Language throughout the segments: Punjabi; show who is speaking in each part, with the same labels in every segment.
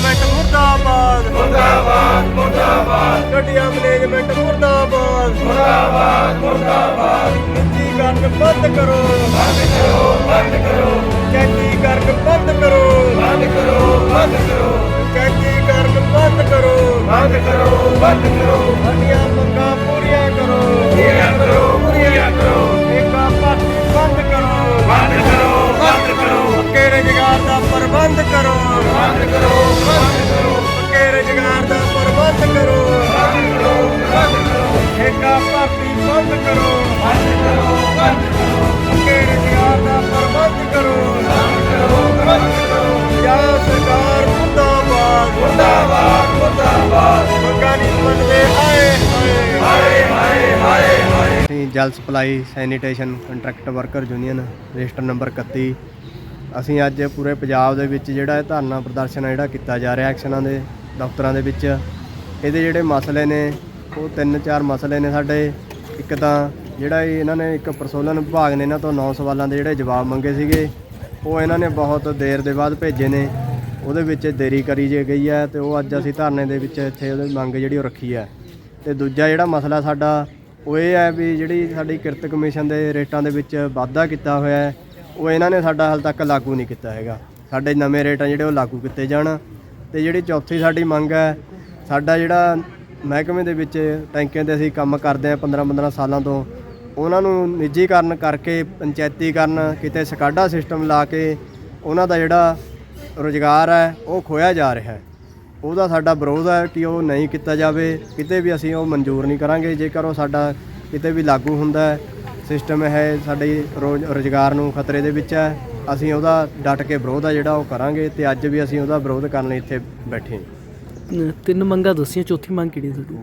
Speaker 1: मैनेजमेंट मुर्दाबाद
Speaker 2: मुर्दाबाद मुर्दाबाद
Speaker 1: घटिया मैनेजमेंट मुर्दाबाद
Speaker 2: मुर्दाबाद मुर्दाबाद
Speaker 1: निजीकरण बंद करो
Speaker 2: बंद करो बंद करो
Speaker 1: कैदीकरण बंद करो
Speaker 2: बंद करो बंद करो
Speaker 1: कैदीकरण बंद करो
Speaker 2: बंद करो बंद करो
Speaker 1: साडियां मंगां पूरियां करो
Speaker 2: पूरियां करो पूरियां करो
Speaker 1: ठेका भर्ती बंद करो
Speaker 2: बंद करो बंद करो
Speaker 1: पक्के रोजगार का प्रबंध करो
Speaker 2: बंद करो बंद करो
Speaker 1: पक्के रोजगार का प्रबंध करो
Speaker 2: बंद करो बंद करो
Speaker 1: ठेका भर्ती बंद करो
Speaker 2: बंद करो बंद करो
Speaker 1: पक्के रोजगार का प्रबंध करो
Speaker 2: बंद करो बंद करो
Speaker 1: ਪੰਜਾਬ सरकार मुर्दाबाद
Speaker 2: मुर्दाबाद मुर्दाबाद
Speaker 1: ਮੰਗਾਂ ਨਹੀਂ ਮੰਨਦੇ ਹਾਏ ਹਾਏ
Speaker 2: हाय हाय हाय हाय
Speaker 1: ਅਸੀਂ ਜਲ supply sanitation contract worker union register number 31 ਅਸੀਂ ਅੱਜ ਪੂਰੇ ਪੰਜਾਬ ਦੇ ਵਿੱਚ ਜਿਹੜਾ ਇਹ ਧਰਨਾ ਪ੍ਰਦਰਸ਼ਨ ਜਿਹੜਾ ਕੀਤਾ ਜਾ ਰਿਹਾ ਐਕਸ਼ਨਾਂ ਦੇ ਦਫ਼ਤਰਾਂ ਦੇ ਵਿੱਚ ਇਹਦੇ ਜਿਹੜੇ ਮਸਲੇ ਨੇ ਉਹ 3-4 ਮਸਲੇ ਨੇ ਸਾਡੇ। ਇੱਕ ਤਾਂ ਜਿਹੜਾ ਇਹਨਾਂ ਨੇ ਇੱਕ ਪ੍ਰਸ਼ੋਲਨ ਵਿਭਾਗ ਨੇ ਇਹਨਾਂ ਤੋਂ 9 ਸਵਾਲਾਂ ਦੇ ਜਿਹੜੇ ਜਵਾਬ ਮੰਗੇ ਸੀਗੇ ਉਹ ਇਹਨਾਂ ਨੇ ਬਹੁਤ ਦੇਰ ਦੇ ਬਾਅਦ ਭੇਜੇ ਨੇ, ਉਹਦੇ ਵਿੱਚ ਦੇਰੀ ਕਰੀ ਜੇ ਗਈ ਹੈ ਤੇ ਉਹ ਅੱਜ ਅਸੀਂ ਧਰਨੇ ਦੇ ਵਿੱਚ ਇੱਥੇ ਉਹਦੀ ਮੰਗ ਜਿਹੜੀ ਉਹ ਰੱਖੀ ਹੈ। ਤੇ ਦੂਜਾ ਜਿਹੜਾ ਮਸਲਾ ਸਾਡਾ ਉਹ ਇਹ ਹੈ ਵੀ ਜਿਹੜੀ ਸਾਡੀ ਕਿਰਤ ਕਮਿਸ਼ਨ ਦੇ ਰੇਟਾਂ ਦੇ ਵਿੱਚ ਵਾਧਾ ਕੀਤਾ ਹੋਇਆ ਹੈ ਉਹ ਇਹਨਾਂ ਨੇ ਸਾਡਾ ਹਾਲ ਤੱਕ ਲਾਗੂ ਨਹੀਂ ਕੀਤਾ ਹੈਗਾ। ਸਾਡੇ ਨਵੇਂ ਰੇਟ ਆ ਜਿਹੜੇ ਉਹ ਲਾਗੂ ਕੀਤੇ ਜਾਣ। ਤੇ ਜਿਹੜੀ ਚੌਥੀ ਸਾਡੀ ਮੰਗ ਹੈ, ਸਾਡਾ ਜਿਹੜਾ ਮਹਿਕਮੇ ਦੇ ਵਿੱਚ ਟੈਂਕੀਆਂ 'ਤੇ ਅਸੀਂ ਕੰਮ ਕਰਦੇ ਹਾਂ 15-15 ਸਾਲਾਂ ਤੋਂ, ਉਹਨਾਂ ਨੂੰ ਨਿੱਜੀਕਰਨ ਕਰਕੇ ਪੰਚਾਇਤੀਕਰਨ ਕਿਤੇ ਸਕਾਡਾ ਸਿਸਟਮ ਲਾ ਕੇ ਉਹਨਾਂ ਦਾ ਜਿਹੜਾ ਰੁਜ਼ਗਾਰ ਹੈ ਉਹ ਖੋਇਆ ਜਾ ਰਿਹਾ ਹੈ। ਉਹਦਾ ਸਾਡਾ ਵਿਰੋਧ ਹੈ ਕਿ ਉਹ ਨਹੀਂ ਕੀਤਾ ਜਾਵੇ, ਕਿਤੇ ਵੀ ਅਸੀਂ ਉਹ ਮਨਜ਼ੂਰ ਨਹੀਂ ਕਰਾਂਗੇ। ਜੇਕਰ ਉਹ ਸਾਡਾ ਕਿਤੇ ਵੀ ਲਾਗੂ ਹੁੰਦਾ ਹੈ ਸਿਸਟਮ ਹੈ ਸਾਡੇ ਰੁਜ਼ਗਾਰ ਨੂੰ ਖਤਰੇ ਦੇ ਵਿੱਚ ਹੈ, ਅਸੀਂ ਉਹਦਾ ਡਟ ਕੇ ਵਿਰੋਧ ਆ ਜਿਹੜਾ ਉਹ ਕਰਾਂਗੇ। ਤੇ ਅੱਜ ਵੀ ਅਸੀਂ ਉਹਦਾ ਵਿਰੋਧ ਕਰਨ ਲਈ ਇੱਥੇ ਬੈਠੇ ਹਾਂ।
Speaker 3: 3 ਮੰਗਾਂ ਦੱਸੀਆਂ, ਚੌਥੀ ਮੰਗ ਕਿਹੜੀ ਤੁਹਾਡੀ?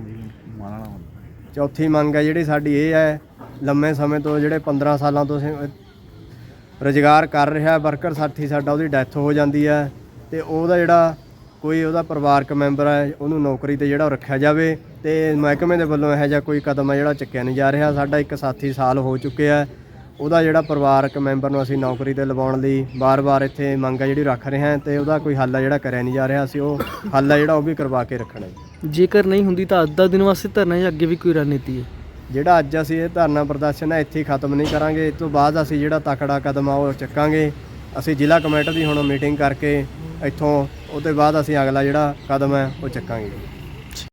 Speaker 1: ਚੌਥੀ ਮੰਗ ਹੈ ਜਿਹੜੀ ਸਾਡੀ ਇਹ ਹੈ, ਲੰਮੇ ਸਮੇਂ ਤੋਂ ਜਿਹੜੇ 15 ਸਾਲਾਂ ਤੋਂ ਰੁਜ਼ਗਾਰ ਕਰ ਰਿਹਾ ਵਰਕਰ ਸਾਥੀ ਸਾਡਾ, ਉਹਦੀ ਡੈਥ ਹੋ ਜਾਂਦੀ ਹੈ ਤੇ ਉਹਦਾ ਜਿਹੜਾ ਕੋਈ ਉਹਦਾ ਪਰਿਵਾਰਕ ਮੈਂਬਰ ਹੈ ਉਹਨੂੰ ਨੌਕਰੀ 'ਤੇ ਜਿਹੜਾ ਉਹ ਰੱਖਿਆ ਜਾਵੇ। ਤੇ ਮਹਿਕਮੇ ਦੇ ਵੱਲੋਂ ਇਹੋ ਜਿਹਾ ਕੋਈ ਕਦਮ ਹੈ ਜਿਹੜਾ ਚੱਕਿਆ ਨਹੀਂ ਜਾ ਰਿਹਾ। ਸਾਡਾ ਇੱਕ ਸਾਥੀ ਸਾਲ ਹੋ ਚੁੱਕਿਆ, ਉਹਦਾ ਜਿਹੜਾ ਪਰਿਵਾਰਕ ਮੈਂਬਰ ਨੂੰ ਅਸੀਂ ਨੌਕਰੀ 'ਤੇ ਲਵਾਉਣ ਲਈ ਵਾਰ-ਵਾਰ ਇੱਥੇ ਮੰਗ ਹੈ ਜਿਹੜੀ ਰੱਖ ਰਹੇ ਹਾਂ ਤੇ ਉਹਦਾ ਕੋਈ ਹੱਲ ਹੈ ਜਿਹੜਾ ਕਰਿਆ ਨਹੀਂ ਜਾ ਰਿਹਾ। ਅਸੀਂ ਉਹ ਹੱਲ ਹੈ ਜਿਹੜਾ ਉਹ ਵੀ ਕਰਵਾ ਕੇ ਰੱਖਣਾ ਜੀ।
Speaker 3: ਜੇਕਰ ਨਹੀਂ ਹੁੰਦੀ ਤਾਂ ਅੱਧਾ ਦਿਨ ਵਾਸਤੇ ਧਰਨਾ ਜਾਂ ਅੱਗੇ ਵੀ ਕੋਈ ਰਣਨੀਤੀ ਹੈ?
Speaker 1: ਜਿਹੜਾ ਅੱਜ ਅਸੀਂ ਇਹ ਧਰਨਾ ਪ੍ਰਦਰਸ਼ਨ ਹੈ ਇੱਥੇ ਹੀ ਖਤਮ ਨਹੀਂ ਕਰਾਂਗੇ। ਇਸ ਤੋਂ ਬਾਅਦ ਅਸੀਂ ਜਿਹੜਾ ਤਕੜਾ ਕਦਮ ਆ ਉਹ ਚੱਕਾਂਗੇ। ਅਸੀਂ ਜ਼ਿਲ੍ਹਾ ਕਮੇਟੀ ਦੀ ਹੁਣ ਮੀਟਿੰਗ ਕਰਕੇ ਇੱਥੋਂ ਉਹਦੇ ਬਾਅਦ ਅਸੀਂ ਅਗਲਾ ਜਿਹੜਾ ਕਦਮ ਹੈ ਉਹ ਚੱਕਾਂਗੇ।